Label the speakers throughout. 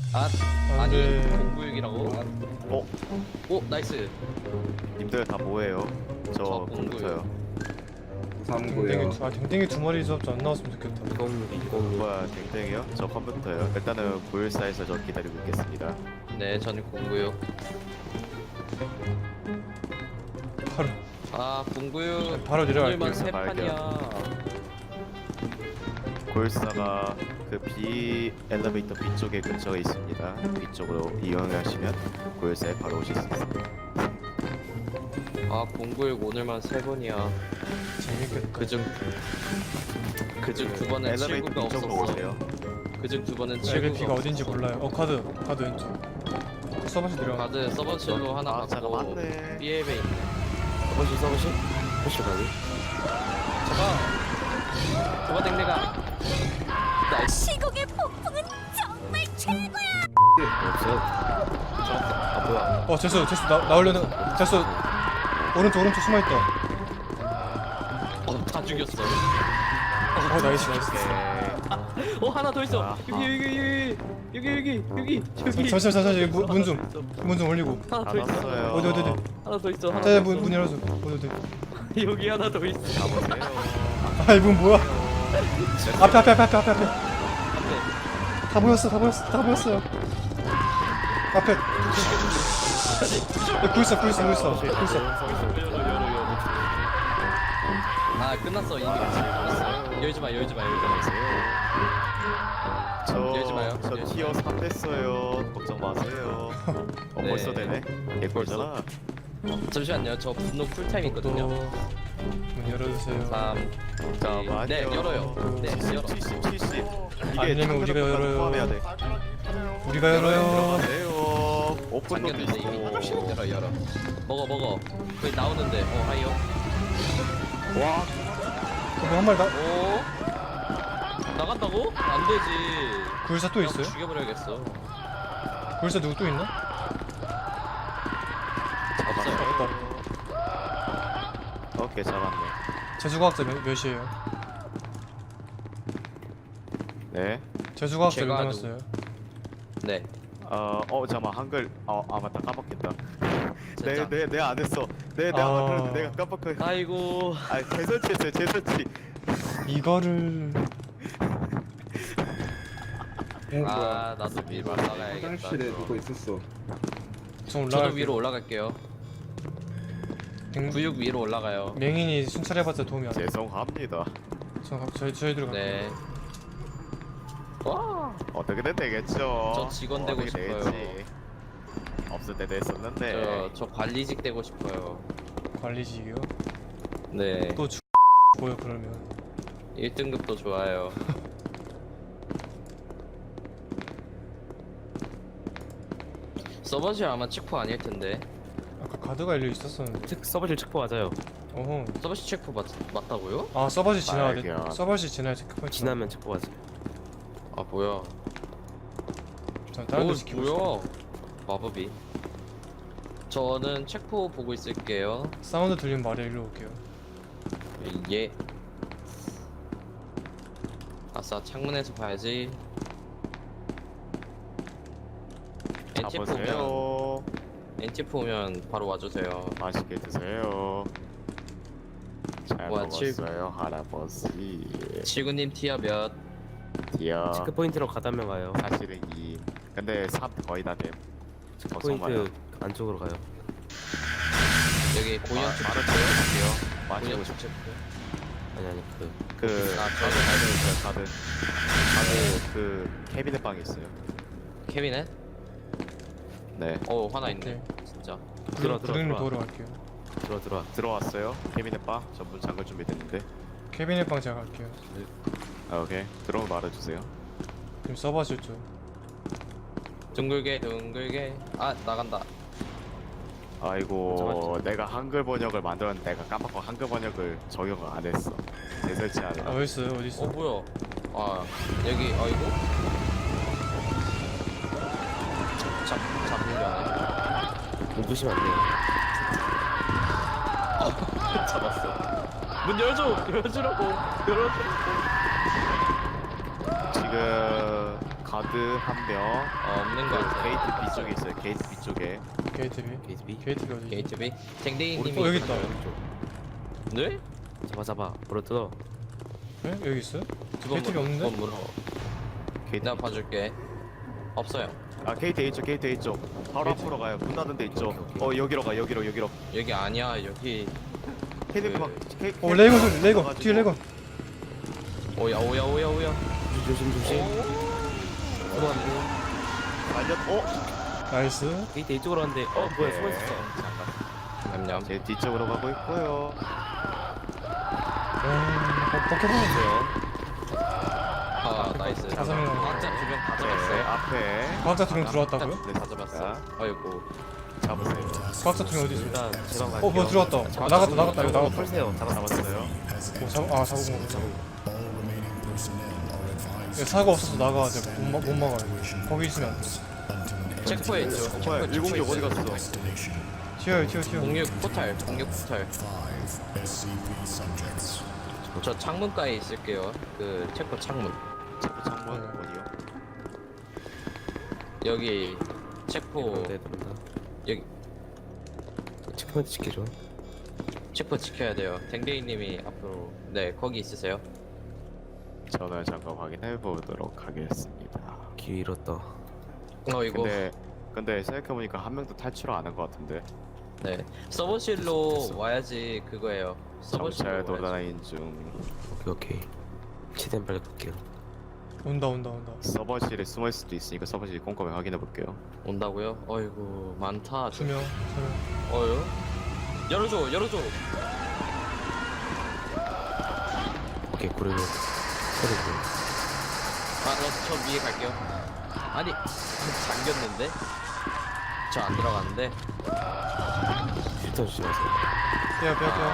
Speaker 1: 아니
Speaker 2: 네.
Speaker 1: 공구육이라고?
Speaker 3: 어?
Speaker 1: 오 나이스.
Speaker 3: 님들 다 뭐해요?
Speaker 1: 저
Speaker 3: 저
Speaker 1: 공구요.
Speaker 3: 컴퓨터요.
Speaker 2: 댕댕이 댕댕이 두 마리 수업도 안 나왔으면 좋겠다.
Speaker 3: 뭐야 댕댕이요? 저 컴퓨터요. 일단은 914에서 저 기다리고 있겠습니다.
Speaker 1: 네 저는 공구육.
Speaker 2: 바로
Speaker 1: 아 공구육.
Speaker 2: 바로 내려갈게요.
Speaker 1: 오늘만 세
Speaker 3: 발견.
Speaker 1: 판이야.
Speaker 3: 914가 그 B 엘리베이터 B쪽에 근처에 있습니다. B쪽으로 이용하시면 914에 바로 오실 수 있습니다.
Speaker 1: 아 공구육 오늘만 세 번이야.
Speaker 2: 재밌겠다.
Speaker 1: 그중 두 번은
Speaker 3: 엘리베이터
Speaker 1: 칠구가
Speaker 3: B쪽으로
Speaker 1: 없었어.
Speaker 3: 오세요.
Speaker 1: 그중 두 번은 칠구가
Speaker 2: LP가 어딘지
Speaker 1: 없었어.
Speaker 2: 몰라요. 카드 왼쪽. 서버시 내려가.
Speaker 1: 가드 서버실로 하나
Speaker 3: 아 잠깐
Speaker 1: 받고
Speaker 3: 맞네.
Speaker 1: B앱에 있네.
Speaker 4: 서버실? 혹시 가니?
Speaker 1: 저봐 댕댕아. 나이스.
Speaker 5: 시공의 폭풍은 정말 최고야.
Speaker 4: 없어요. 아 뭐야?
Speaker 2: 제수 나오려는 제수 오른쪽 숨어있다.
Speaker 1: 다 죽였어.
Speaker 2: 나이스.
Speaker 1: 어 하나 더 있어.
Speaker 3: 아하.
Speaker 1: 여기.
Speaker 2: 잠시만 문 좀 올리고.
Speaker 1: 하나 더 있어.
Speaker 3: 잡았어요.
Speaker 2: 어디.
Speaker 1: 하나 더 있어. 하나
Speaker 2: 자
Speaker 1: 더
Speaker 2: 문 열어줘. 어디.
Speaker 1: 여기 하나 더 있어.
Speaker 3: 잡으세요.
Speaker 2: 이분 뭐야? 앞에.
Speaker 1: 앞에.
Speaker 2: 다 모였어요. 앞에. 굴 있어.
Speaker 1: 아 끝났어 이미 끝났어. 열지 마. 열지 마요.
Speaker 3: 저 티어 3 됐어요. 걱정 마세요.
Speaker 1: 네.
Speaker 3: 벌써 되네. 개꿀잖아.
Speaker 1: 잠시만요. 저 분노 쿨타임 있거든요.
Speaker 2: 문 열어주세요.
Speaker 1: 3.
Speaker 3: 잠깐만요.
Speaker 1: 네 열어요. 네
Speaker 3: 70,
Speaker 1: 열어.
Speaker 3: 70. 이게
Speaker 2: 아니면 우리가 열어요.
Speaker 3: 포함해야 돼.
Speaker 2: 우리가 열어요.
Speaker 3: 들어가세요. 오픈도
Speaker 1: 잠겼는데 이미.
Speaker 3: 있고.
Speaker 1: 열어. 먹어. 거기 나오는데. 하이요.
Speaker 3: 와,
Speaker 2: 그럼 한 마리
Speaker 1: 오. 나간다고? 안 되지.
Speaker 2: 굴사 또
Speaker 1: 그냥
Speaker 2: 있어요?
Speaker 1: 죽여버려야겠어.
Speaker 2: 굴사 누구 또 있나?
Speaker 1: 없어요.
Speaker 3: 오케이 잡았네.
Speaker 2: 재수과학자 몇이에요?
Speaker 3: 네.
Speaker 2: 재수과학자 몇
Speaker 1: 제가
Speaker 2: 남았어요?
Speaker 1: 네.
Speaker 3: 잠깐만 한글. 맞다 깜빡했다.
Speaker 1: 진짜.
Speaker 3: 내 안 했어. 내가
Speaker 2: 아.
Speaker 3: 만들었는데 내가 깜빡해.
Speaker 1: 아이고.
Speaker 3: 재설치했어요. 재설치.
Speaker 2: 이거를
Speaker 1: 아 나도 위로 올라가야겠다.
Speaker 6: 화장실에 누구 있었어.
Speaker 2: 좀 올라갈
Speaker 1: 저도 위로 올라갈게요. 구육 위로 올라가요.
Speaker 2: 맹인이 순찰해봤자 도움이 안 돼.
Speaker 3: 죄송합니다.
Speaker 2: 저희들 갈게요.
Speaker 1: 네. 와.
Speaker 3: 어떻게든 되겠죠.
Speaker 1: 저 직원 되고
Speaker 3: 어떻게
Speaker 1: 싶어요.
Speaker 3: 되겠지. 없을 때도 했었는데.
Speaker 1: 저 관리직 되고 싶어요.
Speaker 2: 관리직이요?
Speaker 1: 네.
Speaker 2: 또 뭐요 그러면?
Speaker 1: 1등급도 좋아요. 서버실 아마 체포 아닐 텐데.
Speaker 2: 아까 가드가 열려 있었었는데.
Speaker 4: 서버실 체포 맞아요.
Speaker 2: 어허.
Speaker 1: 서버실 체포 맞다고요?
Speaker 2: 서버실 지나야 돼.
Speaker 3: 발견.
Speaker 2: 서버실 지나야 체크포인트.
Speaker 4: 지나면 체포 맞아요.
Speaker 1: 아 뭐야?
Speaker 2: 전 다른 데 지키고 있어.
Speaker 1: 뭐야? 마법이. 저는 체포 보고 있을게요.
Speaker 2: 사운드 들리면 말해 일로 올게요.
Speaker 1: 예. 아싸 창문에서 봐야지. NTF 오면
Speaker 3: 잡으세요.
Speaker 1: NTF 오면 바로 와주세요.
Speaker 3: 맛있게 드세요. 잘
Speaker 1: 와,
Speaker 3: 먹었어요 할아버지.
Speaker 1: 지구님 티어 몇?
Speaker 3: 디어.
Speaker 4: 체크 포인트로 가다면 가요.
Speaker 3: 사실은 2. 근데 3 거의 다 됨.
Speaker 4: 체크
Speaker 3: 걱정 마요.
Speaker 4: 포인트 안쪽으로 가요.
Speaker 1: 여기 고현 축
Speaker 3: 말을
Speaker 1: 체포.
Speaker 3: 드릴게요. 마시고
Speaker 1: 고현 축 체포.
Speaker 4: 아니
Speaker 3: 그
Speaker 1: 아,
Speaker 3: 카드 있어요. 카드 그 캐비넷 방에 있어요.
Speaker 1: 케빈에?
Speaker 3: 네.
Speaker 1: 하나 있네.
Speaker 2: 오케이.
Speaker 1: 진짜.
Speaker 2: 구름님 도우러 갈게요.
Speaker 4: 들어와.
Speaker 3: 들어왔어요. 캐비넷 방 전문 잠글 준비됐는데.
Speaker 2: 캐비넷 방 제가 갈게요.
Speaker 3: 오케이. 들어오면 말해주세요.
Speaker 2: 지금 서버실 쪽.
Speaker 1: 둥글게. 아 나간다.
Speaker 3: 아이고 내가 한글 번역을 만들었는데 내가 깜빡하고 한글 번역을 적용을 안 했어. 재설치하느라.
Speaker 2: 어디 있어요? 어디 있어?
Speaker 1: 뭐야? 아 여기 아이고. 잡으려네.
Speaker 4: 공부시면 안 돼요.
Speaker 1: 잡았어. 문 열어주라고.
Speaker 3: 지금 가드 한 명.
Speaker 1: 없는 거 같아요.
Speaker 3: 게이트 B 쪽에 있어요. 게이트 B 쪽에.
Speaker 2: 게이트 B.
Speaker 4: 게이트 B.
Speaker 2: 게이트 B 어디?
Speaker 1: 게이트 B. 댕댕이님이.
Speaker 2: 여기 있다.
Speaker 1: 네?
Speaker 4: 잡아 물어 뜯어.
Speaker 2: 네? 여기 있어요?
Speaker 1: 두번
Speaker 2: 게이트 B 없는데?
Speaker 1: 두번 물어.
Speaker 3: 게이트.
Speaker 1: 내가 봐줄게. 없어요.
Speaker 3: 아 게이트 A 쪽, 게이트 A 쪽. 바로
Speaker 2: 게이트.
Speaker 3: 앞으로 가요. 문 닫은 데 있죠.
Speaker 4: 오케이.
Speaker 3: 여기로 가, 여기로.
Speaker 1: 여기 아니야. 여기.
Speaker 3: 헤드
Speaker 1: 그-
Speaker 3: 막.
Speaker 2: 레이건 소리 레이건 뒤에 레이건.
Speaker 1: 오야.
Speaker 4: 조심. 그만.
Speaker 3: 말렸.
Speaker 2: 나이스.
Speaker 4: 게이트 이쪽으로 왔는데 뭐야 숨어 있었어.
Speaker 1: 냠냠.
Speaker 3: 제 뒤쪽으로 가고 있고요.
Speaker 2: 벗겨봐.
Speaker 1: 아 나이스.
Speaker 2: 다섯 명.
Speaker 1: 각자 두명 다
Speaker 3: 네,
Speaker 1: 잡았어요.
Speaker 3: 앞에.
Speaker 2: 과학자 2명 들어왔다고요?
Speaker 1: 네, 다 잡았어. 아이고.
Speaker 3: 잡으세요.
Speaker 2: 과학자 2명 어디 있어?
Speaker 4: 일단 제방 갈게요.
Speaker 2: 뭐야 들어왔다. 나갔다 이거 나갔다.
Speaker 4: 풀세요.
Speaker 3: 잡았어요.
Speaker 2: 잡은 거구나. 사고 없어서 나가야 돼. 못 막아요. 거기 있으면 안 돼.
Speaker 1: 체크포인트.
Speaker 3: 뭐야, 106 어디 갔어?
Speaker 2: 튀어요.
Speaker 1: 06 포탈. 06 포탈. 저 창문가에 있을게요. 그 체포 창문.
Speaker 3: 체포 창문
Speaker 2: 네.
Speaker 3: 어디요?
Speaker 1: 여기 체포.
Speaker 4: 네 됩니다.
Speaker 1: 여기
Speaker 4: 체크포인트 지켜줘.
Speaker 1: 체포 지켜야 돼요. 댕댕이님이 앞으로. 네 거기 있으세요.
Speaker 3: 저는 잠깐 확인해 보도록 하겠습니다.
Speaker 4: 기회 잃었다.
Speaker 1: 이거.
Speaker 3: 근데 생각해보니까 한 명도 탈출을 안 한 것 같은데.
Speaker 1: 네 서버실로 와야지 그거예요. 서버실로
Speaker 3: 정찰
Speaker 1: 와야지.
Speaker 3: 돌아다니는 중.
Speaker 4: 오케이. 최대한 빨리 갈게요.
Speaker 2: 온다.
Speaker 3: 서버실에 숨을 수도 있으니까 서버실 꼼꼼히 확인해 볼게요.
Speaker 1: 온다고요? 어이구 많다.
Speaker 2: 2명.
Speaker 1: 어요? 열어줘.
Speaker 4: 오케이 고르고 소리고.
Speaker 1: 저 위에 갈게요. 아니 잠겼는데? 저 안 들어갔는데?
Speaker 4: 필터 조심하세요.
Speaker 2: 빼야.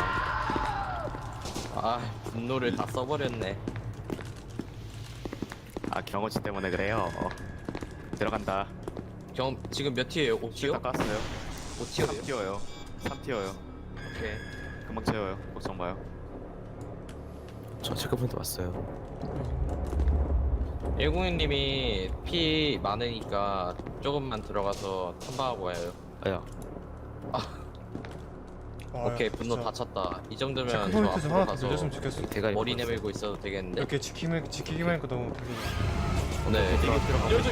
Speaker 1: 아 분노를 다 써버렸네.
Speaker 3: 아 경호치 때문에 그래요. 들어간다.
Speaker 1: 지금 몇 티어예요? 5티어?
Speaker 3: 다 깠어요.
Speaker 1: 5티어예요?
Speaker 3: 3티어요. 3티어요.
Speaker 1: 오케이.
Speaker 3: 금방 채워요. 걱정 마요.
Speaker 4: 저 체크포인트 왔어요.
Speaker 1: 106님이 피 많으니까 조금만 들어가서 탐방하고 와요.
Speaker 4: 아야.
Speaker 1: 오케이 분노 다 찼다. 이 정도면 저
Speaker 2: 체크포인트 좀
Speaker 1: 앞으로
Speaker 2: 하나 더
Speaker 1: 가서
Speaker 2: 늘렸으면 좋겠어.
Speaker 4: 대가리
Speaker 1: 머리
Speaker 4: 먹었어.
Speaker 1: 내밀고 있어도 되겠는데?
Speaker 2: 이렇게 지키기만 하니까 너무 별로.
Speaker 1: 네. 열어줘.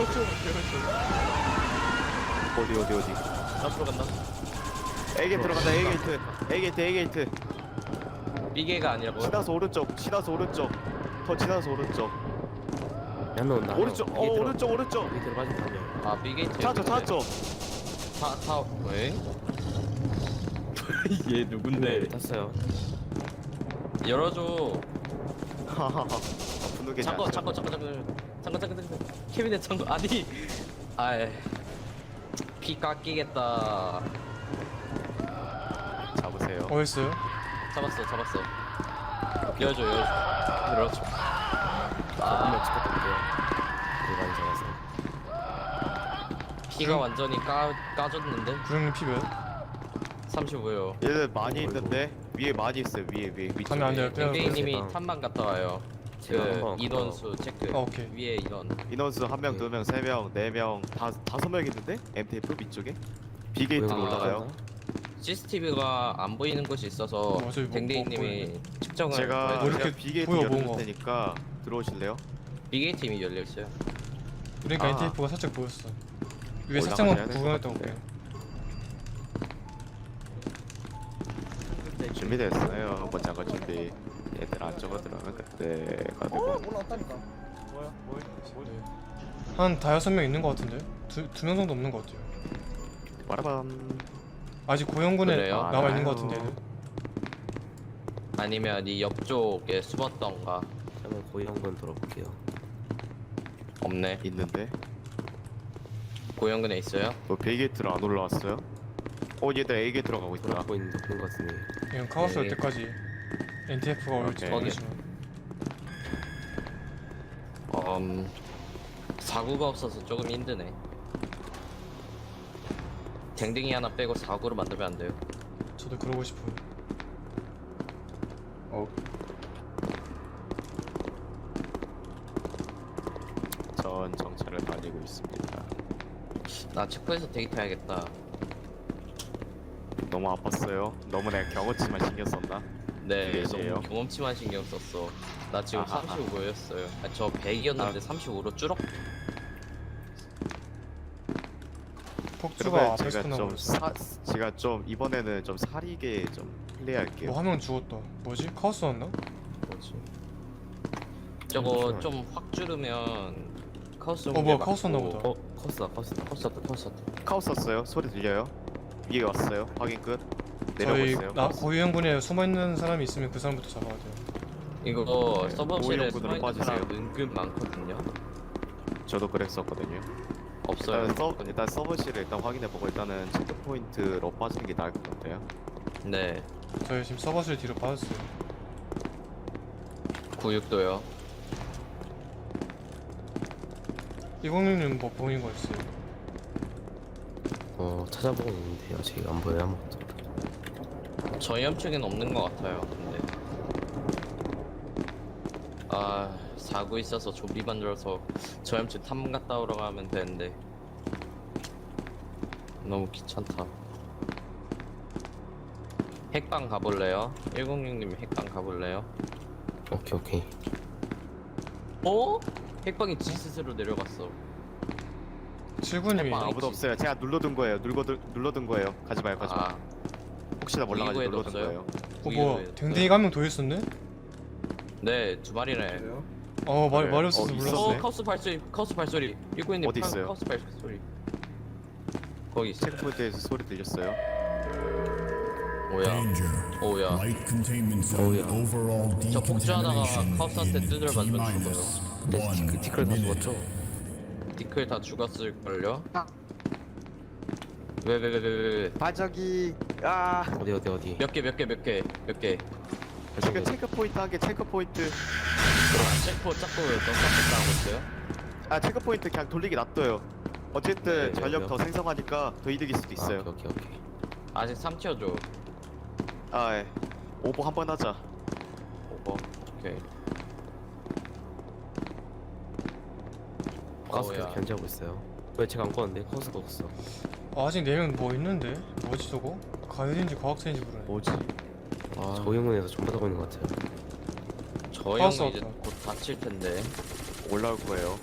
Speaker 3: 어디.
Speaker 1: 앞으로 간다.
Speaker 3: A 게이트 들어간다. A 게이트.
Speaker 1: 삐개가 아니라 뭐?
Speaker 3: 지나서 오른쪽. 더 지나서 오른쪽.
Speaker 4: 한명 온다.
Speaker 3: 오른쪽. 오른쪽.
Speaker 4: 여기 들어가지 한 명.
Speaker 1: 아 삐게이트.
Speaker 3: 찾았죠.
Speaker 1: 타 왜? 얘 누군데?
Speaker 4: 탔어요.
Speaker 1: 열어줘.
Speaker 3: 하하하. 분노 계좌.
Speaker 1: 잠깐. 케빈의 창고 아니. 아이. 피 깎이겠다.
Speaker 3: 잡으세요.
Speaker 2: 어딨어요?
Speaker 1: 잡았어. 열어줘. 열어줘.
Speaker 4: 한명 찍었던데요. 우리 많이 잡았어.
Speaker 1: 피가 완전히 까졌는데?
Speaker 2: 구형님 피 몇?
Speaker 1: 35요.
Speaker 3: 얘들 많이 있는데 위에 많이 있어요. 위에 위쪽에.
Speaker 2: 가면 안 돼요. 빼야 돼.
Speaker 1: 댕댕이님이
Speaker 4: 제방.
Speaker 1: 탐방 갔다 와요.
Speaker 4: 제방
Speaker 1: 그
Speaker 4: 한번
Speaker 1: 인원수 체크.
Speaker 2: 오케이.
Speaker 1: 위에 인원.
Speaker 3: 인원수 1명, 2명, 3명, 4명, 5명 있는데? MTF 밑쪽에? B게이트로
Speaker 1: 아.
Speaker 3: 올라가요.
Speaker 1: CCTV가 안 보이는 곳이 있어서
Speaker 2: 어차피 뭐
Speaker 1: 댕댕이님이 측정을
Speaker 3: 제가
Speaker 2: 뭐
Speaker 1: 보여줘요.
Speaker 2: 이렇게
Speaker 3: B게이트
Speaker 2: 보여,
Speaker 3: 열릴
Speaker 2: 뭔가.
Speaker 3: 테니까 들어오실래요?
Speaker 1: B게이트 이미 열려있어요.
Speaker 2: 그러니까
Speaker 3: 아.
Speaker 2: NTF가 살짝 보였어. 위에
Speaker 3: 올라가야
Speaker 2: 살짝만
Speaker 3: 될것
Speaker 2: 구경했던
Speaker 3: 같은데.
Speaker 2: 거.
Speaker 3: 준비됐어요. 먼저 한거 준비. 얘들 안쪽으로 들어오면 그때 가되고.
Speaker 2: 한 5-6명 있는 거 같은데? 두 명 정도 없는 거 같아요.
Speaker 3: 빠라밤.
Speaker 2: 아직 고영군에
Speaker 1: 그래요?
Speaker 2: 남아 있는 거
Speaker 3: 알아요.
Speaker 2: 같은데. 얘는.
Speaker 1: 아니면 이 옆쪽에 숨었던가.
Speaker 4: 한번 고이 한번 돌아볼게요.
Speaker 1: 없네.
Speaker 3: 있는데?
Speaker 1: 고영근에 있어요?
Speaker 3: 뭐 B게이트로 안 올라왔어요? 얘들 A게이트로 가고 있더라.
Speaker 4: 돌아보고 있는 것 같은데.
Speaker 2: 그냥 카오스 올
Speaker 1: 네.
Speaker 2: 때까지 NTF가 올지
Speaker 3: 오케이.
Speaker 2: 모르겠지만.
Speaker 1: 사구가 없어서 조금 힘드네. 댕댕이 하나 빼고 사구로 만들면 안 돼요?
Speaker 2: 저도 그러고 싶어요.
Speaker 3: 천천히 있습니다.
Speaker 1: 나 체크해서 데이트 해야겠다.
Speaker 3: 너무 아팠어요. 너무 내가 경험치만 신경 썼나?
Speaker 1: 네,
Speaker 3: 몇이에요?
Speaker 1: 너무 경험치만 신경 썼어. 나 지금
Speaker 3: 아하.
Speaker 1: 35였어요. 저 100이었는데 35로 줄어?
Speaker 2: 폭주가
Speaker 3: 그러면
Speaker 2: 앞에서
Speaker 3: 제가
Speaker 2: 끝나고
Speaker 3: 좀
Speaker 2: 있어.
Speaker 3: 제가 좀 이번에는 좀 사리게 좀 플레이할게요.
Speaker 2: 뭐 한 명 죽었다. 뭐지? 카오스 왔나?
Speaker 4: 뭐지?
Speaker 1: 저거 좀 확 줄으면 카우스
Speaker 2: 뭐야, 카우스 왔나 보다.
Speaker 4: 커스다.
Speaker 1: 카우스 왔다.
Speaker 3: 카우스 썼어요. 소리 들려요? 위에 왔어요. 확인 끝.
Speaker 2: 저희
Speaker 3: 내려오세요.
Speaker 2: 나 고위험군에 숨어있는 사람이 있으면 그 사람부터 잡아야 돼요.
Speaker 1: 이거
Speaker 3: 네,
Speaker 1: 서버실에
Speaker 3: 오염군으로
Speaker 1: 숨어있는 사람
Speaker 3: 빠지세요.
Speaker 1: 은근 많거든요.
Speaker 3: 저도 그랬었거든요.
Speaker 1: 없어요.
Speaker 3: 일단 서버실을 일단 확인해보고 일단은 체크 포인트로 빠지는 게 나을 것 같아요.
Speaker 1: 네,
Speaker 2: 저희 지금 서버실 뒤로 빠졌어요.
Speaker 1: 96도요.
Speaker 2: 106님 뭐 보인 거 있어요?
Speaker 4: 찾아보고 있는데 아직 안 보여요 아무것도.
Speaker 1: 저희 함측엔 없는 것 같아요. 근데 사고 있어서 좀비 만들어서 저희 함측 탐 갔다 오러 가면 되는데 너무 귀찮다. 핵방 가볼래요? 106님 핵방 가볼래요?
Speaker 4: 오케이.
Speaker 1: 어? 핵방이 지 스스로 내려갔어.
Speaker 2: 79님이
Speaker 1: 해봐.
Speaker 3: 아무도 없어요. 제가 눌러둔 거예요. 눌러둔 거예요. 가지 마요. 가지 마. 혹시나 몰라가지고
Speaker 1: 이거에도
Speaker 3: 눌러둔
Speaker 1: 없어요?
Speaker 3: 거예요.
Speaker 2: 뭐야 댕댕이가 한 명 더 있었네?
Speaker 1: 네, 두 마리네.
Speaker 2: 말이
Speaker 3: 그래.
Speaker 2: 없어서
Speaker 3: 있었네.
Speaker 2: 몰랐어.
Speaker 1: 카우스 발소리. 192님
Speaker 3: 어디 있어요?
Speaker 1: 카우스 발소리. 거기 있어.
Speaker 3: 체크 포인트에서 소리 들렸어요.
Speaker 1: 오야.
Speaker 6: Danger.
Speaker 1: 오야.
Speaker 6: Light containment zone
Speaker 4: yeah.
Speaker 6: overall
Speaker 1: 저 폭주하다가
Speaker 6: decontamination
Speaker 1: 카우스한테
Speaker 6: in
Speaker 1: 두드려
Speaker 6: T
Speaker 1: 맞으면
Speaker 6: minus
Speaker 4: 근데
Speaker 6: one
Speaker 4: 그 티끌 다
Speaker 6: minute.
Speaker 4: 죽었죠?
Speaker 1: 디클 다 죽었을걸요? 왜?
Speaker 3: 바저기. 아.
Speaker 4: 어디?
Speaker 1: 몇 개?
Speaker 3: 지금 체크 포인트 한 개. 체크 포인트.
Speaker 1: 체포 자꾸 넌스톱 있어요?
Speaker 3: 아 체크 포인트 그냥 돌리기 놔둬요. 어쨌든
Speaker 4: 네,
Speaker 3: 전력
Speaker 4: 네.
Speaker 3: 더 생성하니까 더 이득일 수도 있어요.
Speaker 4: 오케이.
Speaker 1: 아직 3티어죠.
Speaker 3: 아 예. 오버 한 번 하자.
Speaker 1: 오버. 오케이.
Speaker 4: 가스켓
Speaker 1: 어우야.
Speaker 4: 견제하고 있어요. 왜 제가 안 꺼는데 커스가 없어.
Speaker 2: 아직 4명 뭐 있는데? 뭐지 저거? 가요인지 과학생인지 모르네.
Speaker 3: 뭐지?
Speaker 4: 저희응원에서 전부 다 보이는 것 같아요.
Speaker 1: 저
Speaker 2: 카우스
Speaker 1: 형은 이제
Speaker 2: 왔다.
Speaker 1: 곧 다칠 텐데.
Speaker 3: 올라올 거예요.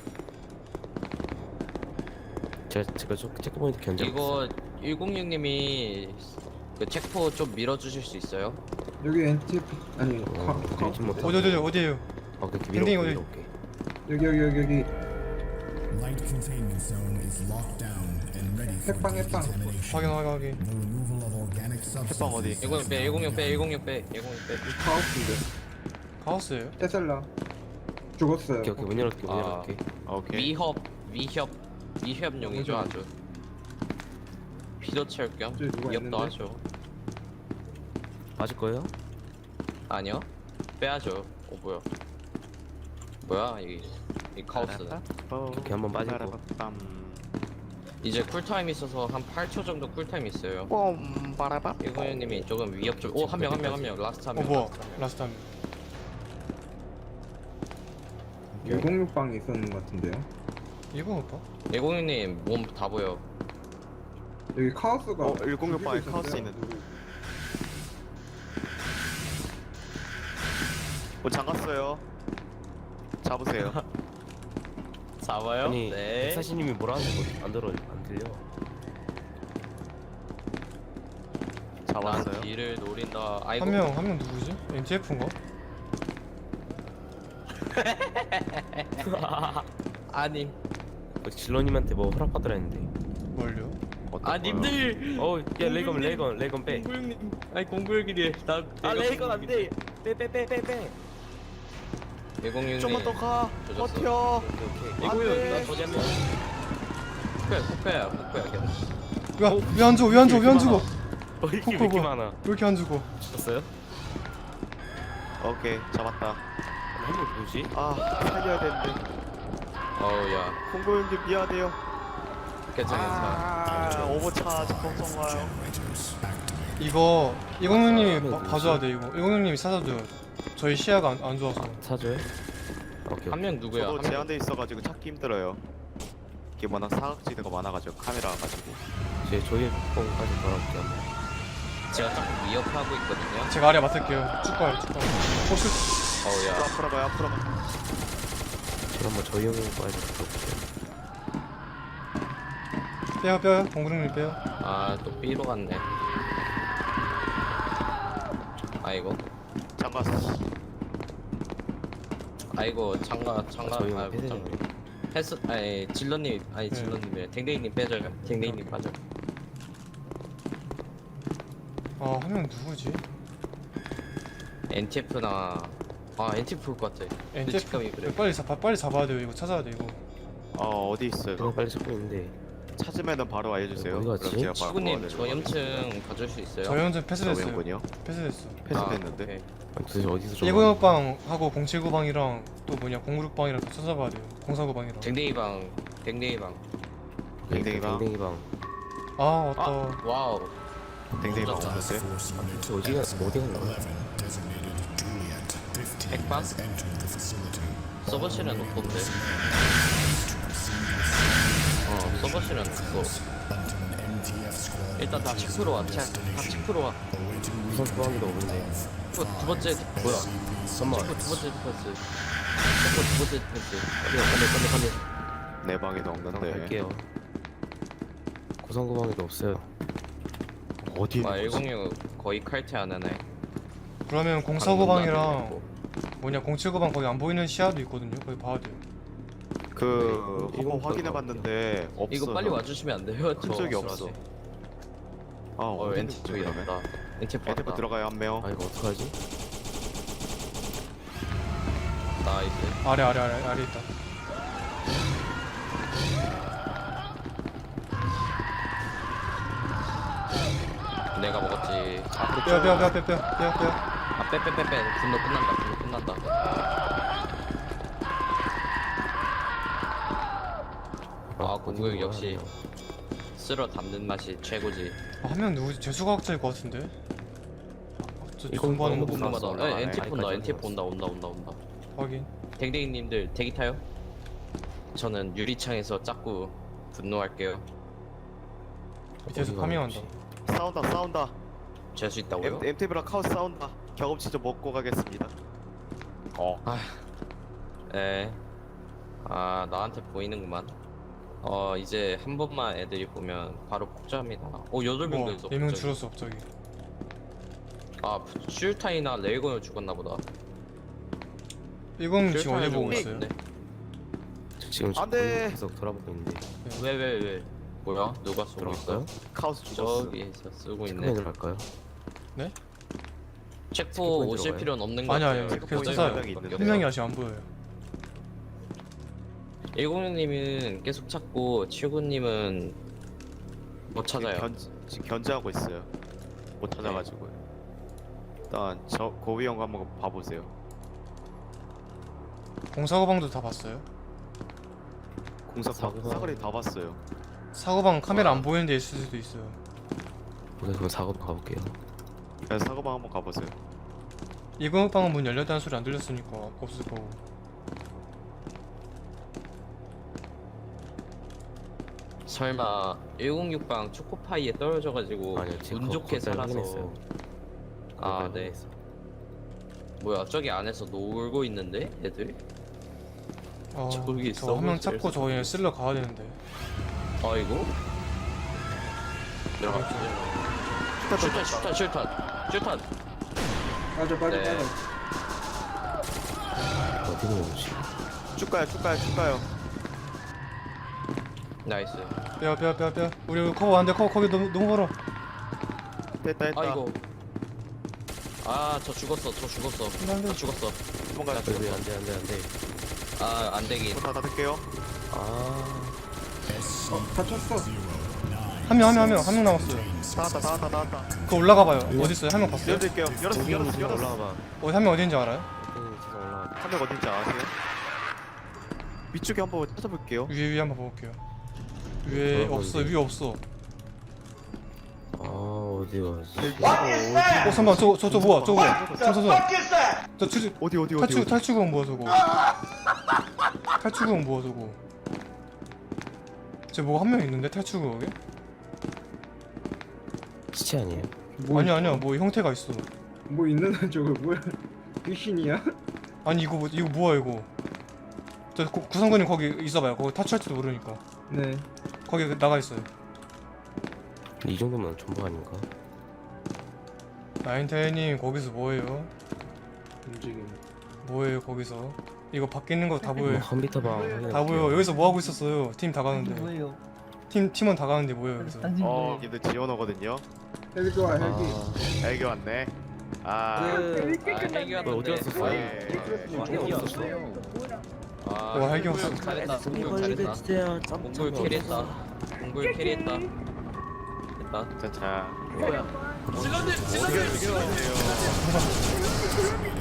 Speaker 4: 제가 체크포인트 견제하고 있어요.
Speaker 1: 이거 106님이 그 체포 좀 밀어주실 수 있어요?
Speaker 7: 여기 NTF 아니
Speaker 4: 밀지 못하고.
Speaker 2: 어디에요?
Speaker 4: 오케이
Speaker 2: 댕댕이 어디?
Speaker 4: 밀어볼게.
Speaker 7: 여기
Speaker 6: Light containment zone is locked down and ready for
Speaker 7: 핵방.
Speaker 6: decontamination.
Speaker 2: 확인.
Speaker 6: The removal of organic
Speaker 3: 핵방 어디?
Speaker 6: substances.
Speaker 1: 106 빼.
Speaker 7: 카우스인데
Speaker 2: 카오스예요?
Speaker 7: 테슬라 죽었어요.
Speaker 4: 오케이 문 열어줄게.
Speaker 3: 오케이.
Speaker 1: 위협용이죠 아주. 피도 채울 겸
Speaker 7: 저기 누가
Speaker 1: 위협도
Speaker 7: 있는데?
Speaker 1: 하죠.
Speaker 4: 맞을 거예요?
Speaker 1: 아니요, 빼야죠. 뭐야 이 카오스.
Speaker 4: 오케이 한번 빠지고.
Speaker 1: 이제 쿨타임 있어서 한 8초 정도 쿨타임 있어요.
Speaker 3: 뽐바라바.
Speaker 1: 106님이 조금 위협 좀. 한 명 라스트 한 명.
Speaker 2: 뭐야 라스트 한 명.
Speaker 7: 106방에 있었는 것 같은데요.
Speaker 2: 이거 오빠?
Speaker 1: 106님 몸 다 보여.
Speaker 7: 여기 카우스가
Speaker 3: 106 방에
Speaker 7: 죽이고
Speaker 3: 카우스
Speaker 7: 있는데요.
Speaker 3: 있는. 잠갔어요. 잡으세요.
Speaker 1: 잡아요?
Speaker 4: 아니
Speaker 1: 네.
Speaker 4: 백사시님이 뭐라 하는 거안 들려.
Speaker 3: 잡았어요.
Speaker 1: 난 뒤를 노린다. 아이고.
Speaker 2: 한 명 누구지? NTF인가?
Speaker 1: 아님.
Speaker 4: 질러님한테 뭐 허락받으라 했는데.
Speaker 2: 뭘요?
Speaker 1: 아 님들.
Speaker 4: 야 레이건 빼.
Speaker 1: 공구형님. 아니 공구형이래.
Speaker 4: 레이건 안 돼. 빼.
Speaker 1: 106님.
Speaker 3: 좀만 더 가.
Speaker 1: 조졌어.
Speaker 3: 버텨.
Speaker 4: 오케이.
Speaker 3: 안 돼.
Speaker 1: 나 저지 한 명. 코코야.
Speaker 2: 왜 안 죽어? 왜 안 죽어?
Speaker 4: 이렇게
Speaker 2: 코코 뭐.
Speaker 4: 많아?
Speaker 2: 왜 이렇게 안 죽어?
Speaker 4: 죽었어요?
Speaker 3: 오케이 잡았다.
Speaker 4: 한명 누구지?
Speaker 3: 아 살려야 되는데.
Speaker 1: 어우야.
Speaker 3: 공고 형님 미안해요.
Speaker 1: 괜찮아.
Speaker 3: 아 오버차지 걱정 마요.
Speaker 6: Generators activate.
Speaker 2: 이거
Speaker 4: 아,
Speaker 2: 106님이
Speaker 4: 누구지?
Speaker 2: 봐줘야 돼 이거. 106님이 찾아줘요. 저희 시야가 안 좋아서.
Speaker 4: 사줘요? 오케이.
Speaker 1: 한 명 누구야?
Speaker 3: 저도
Speaker 1: 한 명.
Speaker 3: 제한돼 있어가지고 찾기 힘들어요. 이게 워낙 사각지대가 많아가지고 카메라가 가지고.
Speaker 4: 제 조일 폭풍까지 돌아올게요.
Speaker 1: 제가 자꾸 위협하고 있거든요.
Speaker 2: 제가 아래 맡을게요. 쭉 가요, 쭉 가요. 포스.
Speaker 1: 어우야.
Speaker 3: 앞으로 가요 앞으로 가.
Speaker 4: 제가 한번 저희 형님까지 들어볼게요.
Speaker 2: 빼요. 공구릉님 빼요.
Speaker 1: 아, 또 B로 갔네. 아이고.
Speaker 3: 장갑.
Speaker 1: 아이고, 장가,
Speaker 4: 저희
Speaker 1: 아,
Speaker 4: 형
Speaker 1: 못 장가. 패스, 아니, 질러님, 아니,
Speaker 2: 네.
Speaker 1: 질러님이래. 댕댕이님 빼줘요. 댕댕이님 빠져.
Speaker 2: 한 명 누구지?
Speaker 1: NTF나, 아, NTF 올 것 같아. 직감이 그래.
Speaker 2: 빨리 잡아야 돼요. 이거 찾아야 돼 이거.
Speaker 3: 어디 있어요?
Speaker 4: 그냥 빨리 찾고 있는데
Speaker 3: 찾으면은 바로 알려주세요.
Speaker 4: 어디 갔지?
Speaker 3: 그럼 제가 바로
Speaker 1: 치구님,
Speaker 3: 도와드리도록
Speaker 1: 저염층 봐줄 수 있어요?
Speaker 2: 저 형좀 패스됐어요.
Speaker 3: 저명군요.
Speaker 2: 패스됐어.
Speaker 3: 패스됐는데.
Speaker 1: 오케이.
Speaker 4: 아니, 도대체 어디서 좀
Speaker 2: 106방하고 079방이랑 또 뭐냐 096방이랑 다 찾아봐야 돼요. 049방이랑.
Speaker 1: 댕댕이방, 댕댕이방.
Speaker 3: 댕댕이방.
Speaker 4: 댕댕이방
Speaker 2: 아 왔다.
Speaker 1: 와우.
Speaker 3: 댕댕이
Speaker 1: 혼자
Speaker 3: 먹었어요?
Speaker 6: Force unit
Speaker 4: 어디가 어디가
Speaker 6: 11 designated Juliet 15
Speaker 1: 백방?
Speaker 6: has entered the facility.
Speaker 1: 서버실은 없던데. 서버실은 없어.
Speaker 6: Bunton MTF squad
Speaker 1: 일단 다 체크로 와. 다 체크로 와.
Speaker 6: awaiting
Speaker 4: 우선 소화기도 없는데
Speaker 1: 두 번째, 뭐야.
Speaker 4: 잠깐만
Speaker 1: 체크 두 번째 디펜스. 체크 두 번째 디펜스.
Speaker 4: 빨리
Speaker 3: 내 방에도
Speaker 4: 그냥
Speaker 3: 없는데.
Speaker 4: 갈게요. 고성구방에도 없어요.
Speaker 3: 어디
Speaker 1: 아,
Speaker 3: 있는 거지?
Speaker 1: 106 거의 칼퇴 안 하네.
Speaker 2: 그러면 049방이랑 뭐냐 079방 거기 안 보이는 시야도 있거든요. 거기 봐야 돼요.
Speaker 3: 그
Speaker 4: 네,
Speaker 3: 한번
Speaker 4: 일곱
Speaker 3: 확인해봤는데 없어.
Speaker 1: 이거 빨리 와주시면 안 돼요?
Speaker 3: 큰 적이 없어. 아 어디 있는
Speaker 1: NTF
Speaker 3: 거지 그러면?
Speaker 1: 있다. NTF
Speaker 3: 엔테프
Speaker 1: 왔다.
Speaker 3: 들어가요 한 명.
Speaker 4: 아 이거 어떡하지?
Speaker 1: 나이스.
Speaker 2: 아래 있다.
Speaker 1: 내가 먹었지.
Speaker 2: 빼요.
Speaker 1: 아, 빼. 분노 끝난다. 아, 공격 역시 쓸어 담는 맛이 최고지.
Speaker 2: 한 명 누구지? 재수과학자일 것 같은데. 저
Speaker 4: 이거
Speaker 2: 공부하는 거
Speaker 4: 너무
Speaker 2: 보면
Speaker 1: 궁금하다.
Speaker 3: 올라가네.
Speaker 1: NTF 온다.
Speaker 4: 아직까지
Speaker 1: NTF 온다.
Speaker 2: 확인.
Speaker 1: 댕댕이님들 대기 타요? 저는 유리창에서 자꾸 분노할게요.
Speaker 2: 밑에서
Speaker 4: 어디가
Speaker 2: 파밍한다.
Speaker 4: 혹시?
Speaker 3: 싸운다.
Speaker 1: 재수 있다고요?
Speaker 3: MTV랑 카우스 싸운다. 경험치 좀 먹고 가겠습니다.
Speaker 1: 네. 아, 나한테 보이는구만. 이제 한 번만 애들이 보면 바로 폭주합니다. 오, 8명
Speaker 2: 와,
Speaker 1: 됐어.
Speaker 2: 4명
Speaker 1: 갑자기.
Speaker 2: 줄었어 갑자기.
Speaker 1: 아, 슈타이나 레이건을 죽었나 보다.
Speaker 2: 이건 지금 어디
Speaker 1: 슈타이나
Speaker 2: 보고
Speaker 1: 죽은
Speaker 2: 있어요?
Speaker 1: 것 같은데?
Speaker 4: 저 지금
Speaker 3: 안 돼.
Speaker 4: 계속 돌아보고 있는데
Speaker 1: 왜? 뭐야? 누가 쏘고
Speaker 4: 들어갈까요?
Speaker 1: 있어요?
Speaker 3: 카우스 죽었어.
Speaker 1: 저기에서 쓰고 있네.
Speaker 4: 체크맨으로 갈까요?
Speaker 1: 체포
Speaker 4: 체크포인트로
Speaker 1: 오실
Speaker 4: 가요?
Speaker 1: 필요는 없는 것
Speaker 2: 아니요.
Speaker 1: 같아요.
Speaker 2: 계속
Speaker 3: 체크포인트
Speaker 2: 찾아요.
Speaker 3: 한 명이 있는데.
Speaker 2: 한 명이 아직 안 보여요.
Speaker 1: 106님은 계속 찾고 79님은 못 찾아요.
Speaker 3: 지금 견제하고 있어요. 못 찾아가지고요. 일단 저 고위 형 한번 봐보세요.
Speaker 2: 049방도 다 봤어요.
Speaker 3: 공사
Speaker 4: 사고방.
Speaker 3: 사거리 다 봤어요.
Speaker 2: 사고방 카메라 안 보이는 데 있을 수도 있어요.
Speaker 4: 우선 그럼 사고도 가볼게요.
Speaker 3: 그래서 사고방 한번 가보세요.
Speaker 2: 106방은 문 열렸다는 소리 안 들렸으니까 없을 거고.
Speaker 1: 설마 106방 초코파이에 떨어져가지고
Speaker 4: 아니요, 지금
Speaker 1: 운 좋게
Speaker 4: 거기까지
Speaker 1: 살아서.
Speaker 4: 확인했어요.
Speaker 1: 아,
Speaker 4: 거기까지
Speaker 1: 네.
Speaker 4: 확인했어요.
Speaker 1: 뭐야, 저기 안에서 놀고 있는데 애들? 저기 있어.
Speaker 2: 저 한 명 찾고 저희 쓸러 가야 되는데.
Speaker 1: 아이고. 들어갑시다. 슈탄.
Speaker 7: 빠져.
Speaker 1: 네.
Speaker 4: 어디로 오지?
Speaker 3: 쭉 가요.
Speaker 1: 나이스.
Speaker 2: 빼요. 우리 커버 안 돼. 커버 거기 너무 멀어.
Speaker 3: 됐다.
Speaker 1: 아이고. 아, 저 죽었어.
Speaker 2: 안 돼.
Speaker 1: 나 죽었어.
Speaker 3: 도망가요.
Speaker 1: 나 죽었어.
Speaker 4: 안돼.
Speaker 1: 아, 안 되긴.
Speaker 3: 다 닫을게요.
Speaker 4: 아
Speaker 7: 다쳤어.
Speaker 2: 한 명 남았어요.
Speaker 3: 다 닫았다.
Speaker 2: 그거 올라가 봐요. 어디 있어요? 한 명 봤어요?
Speaker 3: 열어드릴게요. 열었어.
Speaker 4: 올라가봐.
Speaker 2: 한 명 어디인지 알아요?
Speaker 4: 지금 올라가.
Speaker 3: 한 명 어딘지 아세요? 위쪽에 한번 찾아볼게요.
Speaker 2: 위에 한번 볼게요. 위에 없어. 위에 없어.
Speaker 4: 아 어디 가지?
Speaker 2: 잠깐만 저거 뭐야? 저
Speaker 3: 어디?
Speaker 2: 탈출구는 뭐야 저거? 탈출구는 뭐야 저거? 쟤 뭐 한 명 있는데 탈출 구역에?
Speaker 4: 시체 아니에요?
Speaker 2: 아니야 뭐 형태가 있어.
Speaker 7: 뭐 있는 저거 뭐야? 귀신이야?
Speaker 2: 아니 이거 뭐야 이거. 저 구성근님 거기 있어봐요. 거기 탈출할지도 모르니까.
Speaker 7: 네.
Speaker 2: 거기 나가 있어요.
Speaker 4: 이 정도면 전부 아닌가?
Speaker 2: 나인테님 거기서 뭐해요?
Speaker 7: 움직임.
Speaker 2: 뭐해요 거기서? 이거 밖에 있는 거 다 보여요.
Speaker 4: 컴퓨터 방
Speaker 2: 다 보여. 여기서 뭐 하고 있었어요? 팀 다 가는데.
Speaker 8: 뭐예요?
Speaker 2: 팀원 다 가는데 뭐예요 여기서?
Speaker 8: 당신 뭐예요?
Speaker 3: 님들 지원 오거든요.
Speaker 7: 헬기 좋아 헬기.
Speaker 3: 헬기 왔네. 아,
Speaker 4: 뭐 어디 갔었어요?
Speaker 3: 예.
Speaker 2: 와, 헬기 왔어.
Speaker 1: 잘했다. 공격 잘했다. 공굴 캐리했다. 공굴 캐리했다. 됐다.
Speaker 3: 자,
Speaker 4: 뭐야?
Speaker 3: 어디가 죽여.